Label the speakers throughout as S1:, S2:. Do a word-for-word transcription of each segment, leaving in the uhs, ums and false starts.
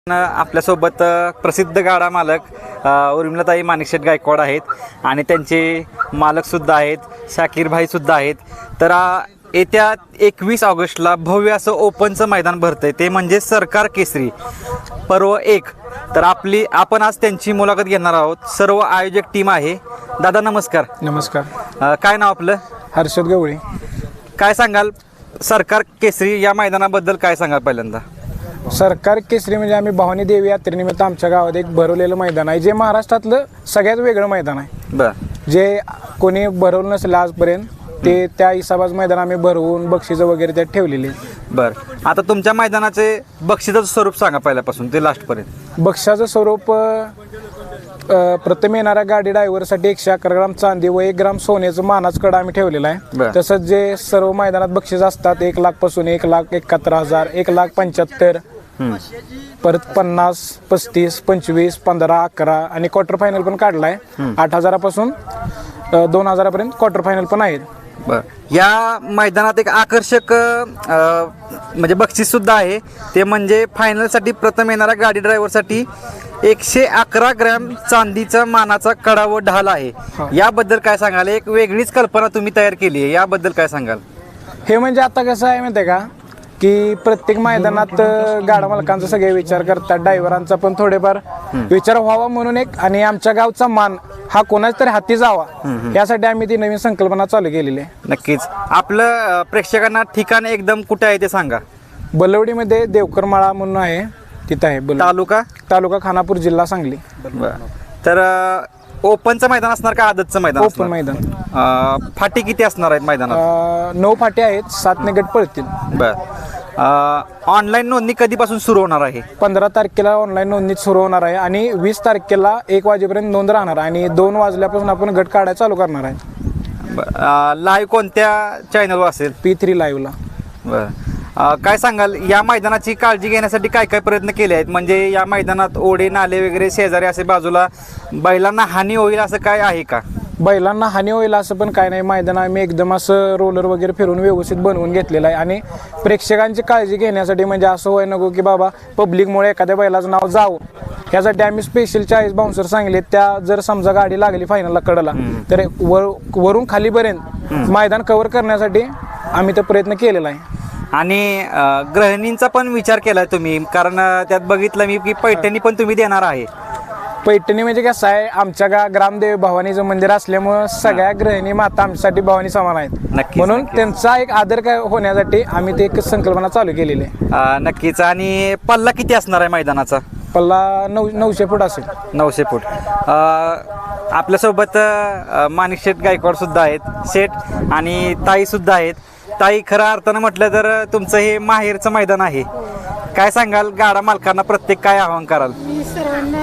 S1: आपल्यासोबत प्रसिद्ध गाडा मालक उर्मिलाताई माणिकशेठ गायकवाड आहेत आणि त्यांचे मालकसुद्धा आहेत, शाकीर भाईसुद्धा आहेत. तर येत्या एकवीस ऑगस्टला भव्य असं ओपनचं मैदान भरतं आहे, ते म्हणजे सरकार केसरी पर्व एक. तर आपली आपण आज त्यांची मुलाखत घेणार आहोत. सर्व आयोजक टीम आहे. दादा नमस्कार.
S2: नमस्कार.
S1: काय नाव आपलं?
S2: हर्षद गवळी.
S1: काय सांगाल सरकार केसरी या मैदानाबद्दल, काय सांगाल पहिल्यांदा?
S2: सरकार केसरी म्हणजे आम्ही भवानी देवी यात्रेनिमित्त आमच्या गावात एक भरवलेलं मैदान आहे, जे महाराष्ट्रातलं सगळ्यात वेगळं मैदान आहे.
S1: बरं.
S2: जे कोणी भरवलं नसेल आजपर्यंत, ते त्या हिसाबाच मैदान आम्ही भरवून बक्षिसं वगैरे त्यात ठेवलेली.
S1: बरं. आता तुमच्या मैदानाचे बक्षिसाचं स्वरूप सांगा पहिल्यापासून ते लास्टपर्यंत.
S2: बक्षाचं स्वरूप प्रथम येणाऱ्या गाडी ड्रायव्हरसाठी एकशे अकरा ग्राम चांदी व एक ग्राम सोन्याचं मानाचं कडा आम्ही ठेवलेला आहे. तसंच जे सर्व मैदानात बक्षीस असतात, एक लाख पासून एक लाख एकाहत्तर हजार एक लाख पंच्याहत्तर, परत पन्नास, पस्तीस, पंचवीस, पंधरा, अकरा आणि क्वार्टर फायनल पण काढलाय. आठ हजारापासून दोन हजारापर्यंत क्वार्टर फायनल पण आहेत.
S1: बर. या मैदानात एक आकर्षक म्हणजे बक्षीस सुद्धा आहे, ते म्हणजे फायनलसाठी प्रथम येणाऱ्या गाडी ड्रायव्हरसाठी एकशे अकरा ग्रॅम चांदीचा मानाचा कडा व ढाल आहे. याबद्दल काय सांगाल? एक वेगळीच कल्पना तुम्ही तयार केली आहे, याबद्दल काय सांगाल?
S2: हे म्हणजे आता कसं आहे माहिती आहे का, की प्रत्येक मैदानात गाडा मालकांचा सगळे विचार करतात, ड्रायव्हरांचा पण थोडेफार विचार व्हावा म्हणून एक, आणि आमच्या गावचा मान हा कोणाच तरी हाती जावा यासाठी आम्ही ती नवीन संकल्पना चालू केलेली आहे.
S1: नक्कीच. आपलं प्रेक्षकांना ठिकाण एकदम कुठे आहे ते सांगा.
S2: बलवडीमध्ये देवकरमाळा म्हणून आहे, तिथं आहे.
S1: तालुका
S2: तालुका खानापूर, जिल्हा सांगली.
S1: तर ओपनचं मैदान असणार का आदतचं मैदान?
S2: ओपन मैदान.
S1: फाटी किती असणार आहेत मैदानात?
S2: नऊ फाटी आहेत, सात ने गट पळतील.
S1: बर. ऑनलाईन नोंदणी कधीपासून सुरू होणार आहे?
S2: पंधरा तारखेला ऑनलाईन नोंदणी सुरू होणार आहे आणि वीस तारखेला एक वाजेपर्यंत नोंद राहणार आणि दोन वाजल्यापासून आपण गट काढायला चालू करणार आहे.
S1: लाईव्ह कोणत्या चॅनलवर असेल?
S2: पी थ्री लाईव्हला.
S1: बरं. काय सांगाल या मैदानाची काळजी घेण्यासाठी काय काय प्रयत्न केले आहेत? म्हणजे या मैदानात ओढे नाले वगैरे शेजारी असे बाजूला बैलांना हानी होईल असं काय आहे का?
S2: बैलांना हानी होईल असं पण काय नाही. मैदान आम्ही एकदम असं रोलर वगैरे फिरून व्यवस्थित बनवून घेतलेलं आहे आणि प्रेक्षकांची काळजी घेण्यासाठी, म्हणजे असं होय नको की बाबा पब्लिकमुळे एखाद्या बैलाचं नाव जावं, यासाठी आम्ही स्पेशल चाळीस बाउन्सर सांगले. त्या जर समजा गाडी लागली फायनलला कडला, तर वर वरून खालीपर्यंत मैदान कव्हर करण्यासाठी आम्ही तो प्रयत्न केलेला आहे.
S1: आणि गृहिणींचा पण विचार केलाय तुम्ही, कारण त्यात बघितलं मी की पैठणी पण तुम्ही देणार आहे.
S2: पैठणी म्हणजे कसं आहे, आमच्या गा ग्रामदेव भवानीचं मंदिर असल्यामुळं सगळ्या गृहिणी माता आमच्यासाठी भवानी समान आहेत. म्हणून त्यांचा एक आदर काय होण्यासाठी आम्ही ते एक संकल्पना चालू केलेली आहे.
S1: नक्कीच. आणि पल्ला किती असणार आहे मैदानाचा?
S2: पल्ला नऊ नऊशे फूट असेल.
S1: नऊशे फूट. आपल्यासोबत माणिकशेठ गायकवाड सुद्धा आहेत, शेठ आणि ताई सुद्धा आहेत. ताई, खऱ्या अर्थानं म्हटलं तर तुमचं हे माहेरचं मैदान आहे. काय सांगाल गाडा मालकांना, प्रत्येक काय आवाहन कराल?
S3: मी सर्वांना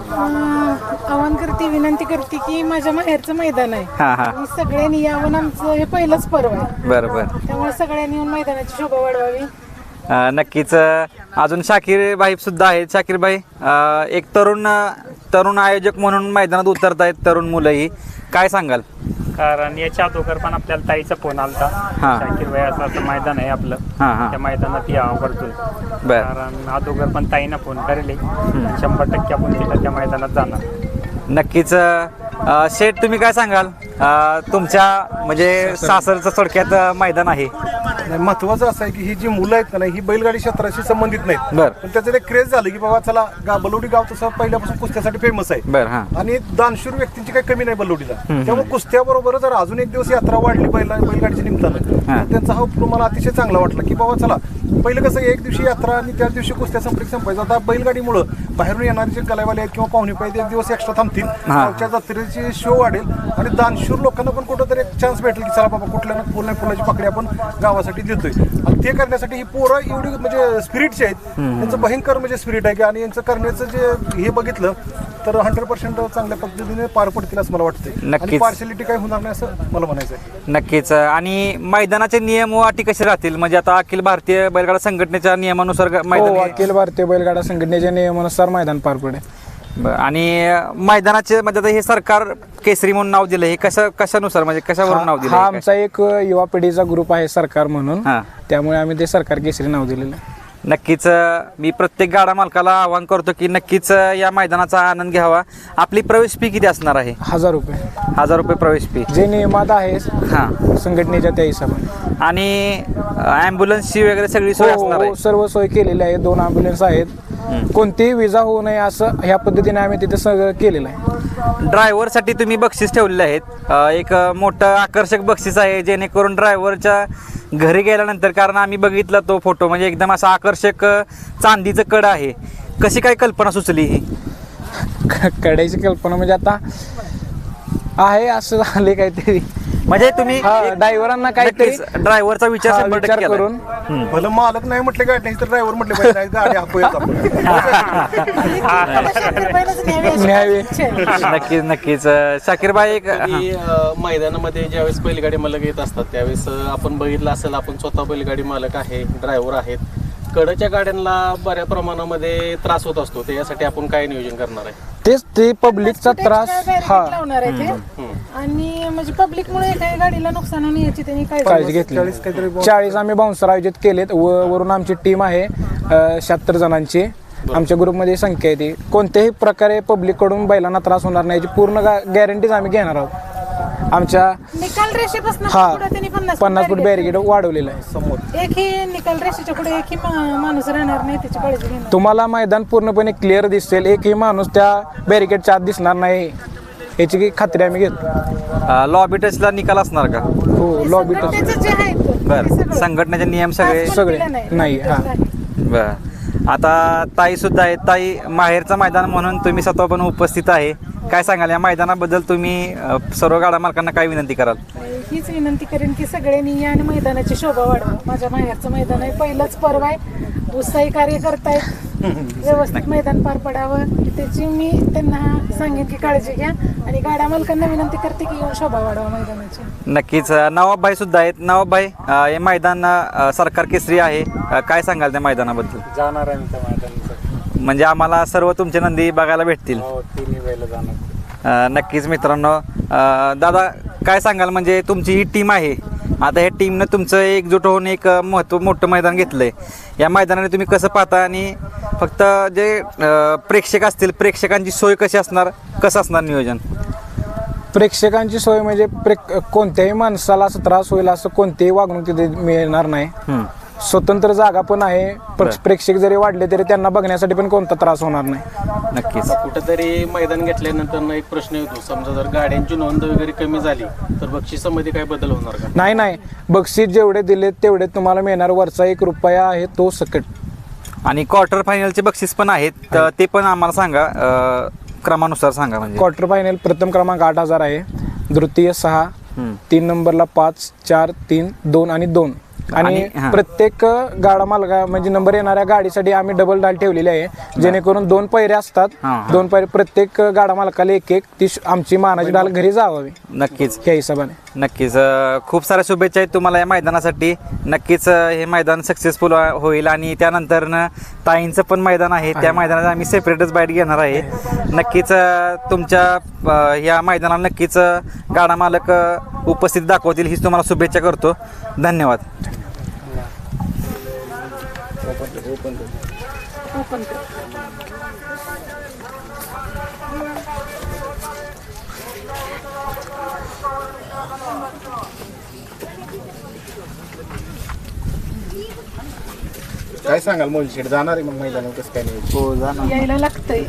S3: आवाहन करते, विनंती करते की माझ्या माहेरचं मैदान आहे.
S1: हा हा.
S3: सगळ्यांनी यावं, आमचं हे पहिलंच पर्व आहे.
S1: बरोबर.
S3: त्यामुळे सगळ्यांनी येऊन मैदानाची शोभा वाढवावी.
S1: नक्कीच. अजून शाकीर भाई सुद्धा आहेत. शाकीर भाई, एक तरुण तरुण आयोजक म्हणून मैदानात उतरत आहेत, तरुण मुलंही. काय सांगाल?
S4: कारण याच्या अगोदर पण आपल्याला ताईचा फोन आलता, शाकीर भाई असं असं मैदान आहे आपलं, त्या मैदानात यावं करतोय. कारण अगोदर पण ताईनं फोन करेल, शंभर टक्के आपण तिला त्या मैदानात जाणार.
S1: नक्कीच. शेठ, तुम्ही काय सांगाल? तुमच्या म्हणजे सासरचं थोडक्यात मैदान आहे.
S5: महत्वाचं असं आहे की ही जी मुलं आहेत ना, ही बैलगाडी क्षेत्राशी संबंधित नाहीत.
S1: बरं.
S5: पण त्याचं एक क्रेज झालं की बाबा चला, गा बलवडी गाव तसं पहिल्यापासून कुस्त्यासाठी फेमस आहे.
S1: बरं.
S5: आणि दानशूर व्यक्तींची काही कमी नाही बलवडीला. त्यामुळे कुस्त्याबरोबर जर अजून एक दिवस यात्रा वाढली बैला बैलगाडीच्या निमित्तानं, त्यांचा हा उपक्रम मला अतिशय चांगला वाटला की बाबा चला, पहिलं कसं एक दिवशी यात्रा आणि त्याच दिवशी कुस्त्या संपर्क संपायचा. आता बैलगाडीमुळं बाहेरून येणारे जे गलावाले आहेत किंवा पाहुणे पाहिजे, एक दिवस एक्स्ट्रा थांबतील, गावच्या जत्रेची शो वाढेल आणि दानशूर लोकांना पण कुठंतरी एक चान्स भेटेल की चला बाबा, कुठल्या ना फुल फुलाची पकडी आपण गावासाठी देतोय. आणि ते करण्यासाठी ही पोरं एवढी म्हणजे स्पिरिटची आहेत, त्यांचं भयंकर म्हणजे स्पिरिट आहे की, आणि यांचं करण्याचं जे हे बघितलं तर हंड्रेड पर्सेंट चांगल्या पद्धतीने पार पडतील असं मला वाटतं. आणि पार्शलिटी काही होणार नाही असं मला म्हणायचं आहे.
S1: नक्कीच. आणि मैदानाचे नियम व अटी कसे राहतील? म्हणजे आता अखिल भारतीय बैलगाडा संघटनेच्या नियमानुसार मैदान?
S2: अखिल भारतीय बैलगाडा संघटनेच्या नियमानुसार मैदान पार पडेल.
S1: आणि मैदानाचे म्हणजे आता हे सरकार केसरी म्हणून नाव दिलं, हे कशा कशानुसार म्हणजे कशावरून नाव दिलं?
S2: हा आमचा एक युवा पिढीचा ग्रुप आहे सरकार म्हणून, त्यामुळे आम्ही ते सरकार केसरी नाव दिलेलं आहे.
S1: नक्कीच अ, मी प्रत्येक गाडा मालकाला आवाहन करतो की नक्कीच अ, या मैदानाचा आनंद घ्यावा. आपली प्रवेश फी किती असणार आहे?
S2: हजार रुपये
S1: हजार रुपये प्रवेश फी.
S2: जे नियमात आहे
S1: हां.
S2: संघटनेच्या त्या हिशोबाने.
S1: आणि ॲम्ब्युलन्सची वगैरे सगळी सोय
S2: हो,
S1: असणार
S2: हो,
S1: आहे?
S2: सर्व सोय केलेली आहे. दोन ॲम्ब्युलन्स आहेत. कोणतीही विजा होऊ नये असं ह्या पद्धतीने आम्ही तिथे सगळं केलेलं आहे.
S1: ड्रायव्हरसाठी तुम्ही बक्षीस ठेवलेले आहेत. अ, एक अ, मोठं आकर्षक बक्षीस आहे जेणेकरून ड्रायव्हरच्या घरी गेल्यानंतर, कारण आम्ही बघितला तो फोटो, म्हणजे एकदम असं आकर्षक अ, चांदीचं कड आहे. कशी काय कल्पना सुचली ही?
S2: कड्याची कल्पना म्हणजे आता आहे असं झाले काहीतरी,
S1: म्हणजे तुम्ही
S2: ड्रायव्हरांना काहीतरी
S1: ड्रायव्हरचा विचार
S2: हा,
S1: शंभर
S2: विचार
S1: टक्के केलाय.
S2: करून
S5: भलं मालक नाही म्हटले गाडी नाही तर ड्रायव्हर म्हटले पाहिजे नाही, गाडी आपणच आपण.
S2: न्यावे.
S1: नक्कीच नक्कीच अ, शाकीर भाई एक हां.
S6: की अ, मैदानामध्ये ज्यावेळेस बैलगाडी मालक येत असतात त्यावेळेस अ, आपण बघितलं असेल, आपण स्वतः बैलगाडी मालक आहे, ड्रायव्हर आहेत, कडच्या गाड्यांना बऱ्या प्रमाणामध्ये त्रास होत असतो. त्याच्यासाठी आपण काय नियोजन करणार आहे?
S2: तेच ते पब्लिकचा त्रास हा
S3: लावणार आहे ते. आणि म्हणजे पब्लिक मुळे काही गाडीला नुकसान होणे याची त्यांनी
S2: काळजी
S3: काळजी
S2: घेतली.
S5: चाळीस काहीतरी
S2: चाळीस आम्ही बाउन्सर आयोजित केलेत. व वरून आमची टीम आहे शहात्तर जणांची. आमच्या ग्रुपमध्ये संख्या आहे ती. कोणत्याही प्रकारे पब्लिककडून बैलांना त्रास होणार नाही याची पूर्ण गॅरंटीज आम्ही घेणार आहोत. आमच्या
S3: निकाल रेषेपासून
S2: हा
S3: पुढे त्यांनी पन्नास
S2: पन्नास फूट बॅरिकेड वाढवलेलं आहे.
S5: समोर
S3: एकही निकाल रेषेच्या पुढे एकही मा- माणूस राहणार नाही, त्याची काळजी घेणार.
S2: तुम्हाला मैदान पूर्णपणे क्लिअर दिसेल. एकही माणूस त्या बॅरिकेडच्या आत दिसणार नाही याची की खात्री आम्ही घेतो.
S1: अ, लॉबी टचला निकाल असणार का?
S2: हो लॉबी टच
S3: त्याचं जे आहे ते
S1: बरं.
S3: सगळं.
S1: संघटनेचे नियम सगळे
S3: आज पण
S2: सगळे.
S3: दिलं नाही.
S2: नाही, हा.
S1: बर. आता ताई सुद्धा आहे. ताई, माहेरचं मैदान म्हणून तुम्ही स्वतः पण उपस्थित आहे. काय सांगाल या मैदानाबद्दल? तुम्ही अ, सर्व गाडा मालकांना काय विनंती कराल?
S3: हीच विनंती करेन की सगळ्यांनी या आणि मैदानाची शोभा वाढवा. माझ्या माहेरचं मैदान आहे, पहिलंच पर्व आहे, उत्साही कार्य करतायत, व्यवस्थित मैदान पार पडावं त्याची मी त्यांना सांगेन की काळजी घ्या. आणि गाड्या मालकांना विनंती करते की येऊन शोभा वाढवा मैदानाची.
S1: नक्कीच. अ, नवाबभाई सुद्धा आहेत. नवाबभाई, अ, हे मैदान अ, सरकार केसरी आहे. अ, काय सांगाल त्या मैदानाबद्दल?
S4: जाणार आहे त्या मैदानाचं.
S1: म्हणजे आम्हाला सर्व तुमचे नंदी बघायला भेटतील.
S4: हो, तिन्ही बैल जाणार.
S1: अ, नक्कीच मित्रांनो. अ, दादा काय सांगाल, म्हणजे तुमची ही टीम आहे, आता ह्या टीमनं तुमचं एकजूट होऊन एक महत्व मोठं मैदान घेतलंय. या मैदानाने तुम्ही कसं पाहता? आणि फक्त जे अ, प्रेक्षक असतील, प्रेक्षकांची सोय कशी असणार, कसं असणार नियोजन?
S2: प्रेक्षकांची सोय म्हणजे प्रेक कोणत्याही माणसाला असं त्रास होईल असं कोणतेही वागणूक तिथे मिळणार नाही.
S1: हम्म.
S2: स्वतंत्र जागा पण आहे. प्र-
S1: बरं.
S2: प्रेक्षक जरी वाढले तरी त्यांना बघण्यासाठी पण कोणता त्रास होणार नाही.
S1: नक्कीच.
S6: कुठेतरी मैदान घेतल्यानंतर ना एक प्रश्न येतो, समजा जर गाड्यांची नोंद वगैरे कमी झाली तर बक्षिसामध्ये काय बदल होणार का?
S2: नाही नाही बक्षीस जेवढे दिले तेवढे तुम्हाला मिळणार. वरचा एक रुपया आहे तो सकट.
S1: आणि क्वार्टर फायनलचे बक्षीस पण आहेत, तर ते पण आम्हाला सांगा, अ, क्रमानुसार सांगा. म्हणजे
S2: क्वार्टर फायनल प्रथम क्रमांक आठ हजार आहे, द्वितीय सहा,
S1: हम्म.
S2: तीन नंबरला पाच, चार, तीन, दोन आणि दोन. आणि
S1: आणि- हा.
S2: प्रत्येक गाडा मालका म्हणजे नंबर येणाऱ्या गाडीसाठी आम्ही डबल डाल ठेवलेली आहे, जेणेकरून दोन पैरे असतात.
S1: हा, हा.
S2: दोन पैरे प्रत्येक गाडा मालकाला एक एक ती श- आमची मानाची डाल घरी जावावी
S1: नक्कीच
S2: त्या हिशोबाने.
S1: नक्कीच. अ, खूप साऱ्या शुभेच्छा आहेत तुम्हाला या मैदानासाठी. नक्कीच अ, हे मैदान सक्सेसफुल होईल. आणि त्यानंतर ताईंचं पण मैदान आहे, त्या मैदानात आम्ही सेपरेटच बाईट घेणार आहे. नक्कीच अ, तुमच्या अ, या मैदानाला नक्कीच अ, गाडा मालक अ, उपस्थित दाखवतील हीच तुम्हाला शुभेच्छा करतो. धन्यवाद.
S3: ओपन कर.
S5: काय सांगाल मोलशेड जाणार आहे मग मैदानावर कसं काय नाही?
S3: यायला लागतंय.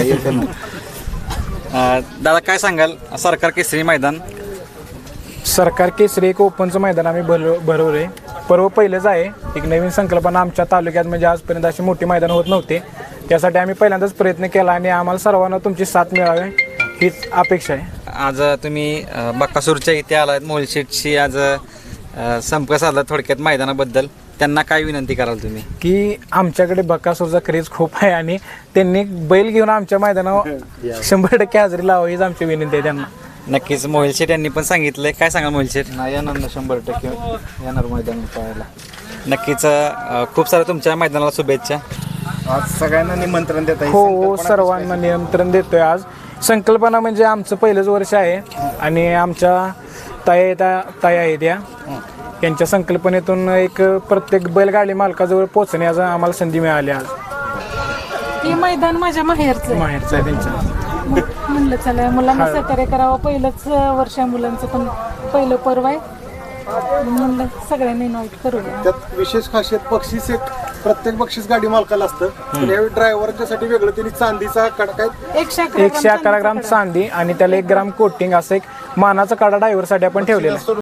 S1: अ, दादा काय सांगाल, सरकार केसरी मैदान?
S2: सरकार केसरी एक ओपनचं मैदान आम्ही भरव भरवले. पर्व पहिलंच आहे. एक नवीन संकल्पना आमच्या तालुक्यात, म्हणजे आजपर्यंत अशी मोठी मैदान होत नव्हते. त्यासाठी आम्ही पहिल्यांदाच प्रयत्न केला आणि आम्हाला सर्वांना तुमची साथ मिळावी हीच अपेक्षा आहे.
S1: आज तुम्ही अ, बक्कासूरच्या इथे आलात, मोलशेटशी आज अ, संपर्क साधला थोडक्यात मैदानाबद्दल. त्यांना काय विनंती कराल तुम्ही?
S2: की आमच्याकडे बकासूरचा क्रेज खूप आहे आणि त्यांनी बैल घेऊन आमच्या मैदानावर शंभर टक्के हजेरी लावावी हीच आमची विनंती आहे त्यांना.
S1: नक्कीच. मोहिल शेठ यांनी पण सांगितलंय. काय सांगाल मोहिल शेठ?
S7: नाही येणार ना, शंभर टक्के येणार मैदान पाहायला.
S1: नक्कीच. अ, खूप साऱ्या तुमच्या मैदानाला शुभेच्छा.
S5: आज सगळ्यांना निमंत्रण देत आहे.
S2: हो हो सर्वांना नियंत्रण देतोय. आज संकल्पना म्हणजे आमचं पहिलंच वर्ष आहे आणि आमच्या ताई त्या ताई आहेत या त्यांच्या संकल्पनेतून एक प्रत्येक बैलगाडी मालकाजवळ पोहोचण्याचा आम्हाला संधी मिळाली आज.
S3: हे मैदान माझ्या माहेरचं आहे.
S2: माहेरचं आहे त्यांच्या.
S3: मग म्हणलं चला मुलांना सहकार्य करावं. पहिलंच वर्ष आहे मुलांचं, पण पहिलं पर्व आहे. म्हणलं सगळ्यांनी इन्व्हाइट करूया.
S5: त्यात विशेष खासियत बक्षीस एक प्रत्येक बक्षीस गाडी मालकाला असतं. पण यावेळी ड्रायव्हरच्यासाठी वेगळं त्यांनी चांदीचा कडा
S3: एकशे अकरा
S2: एकशे अकरा ग्राम चांदी आणि त्याला एक ग्राम कोटिंग असं एक मानाचा कडा ड्रायव्हरसाठी आपण ठेवलेला आहे.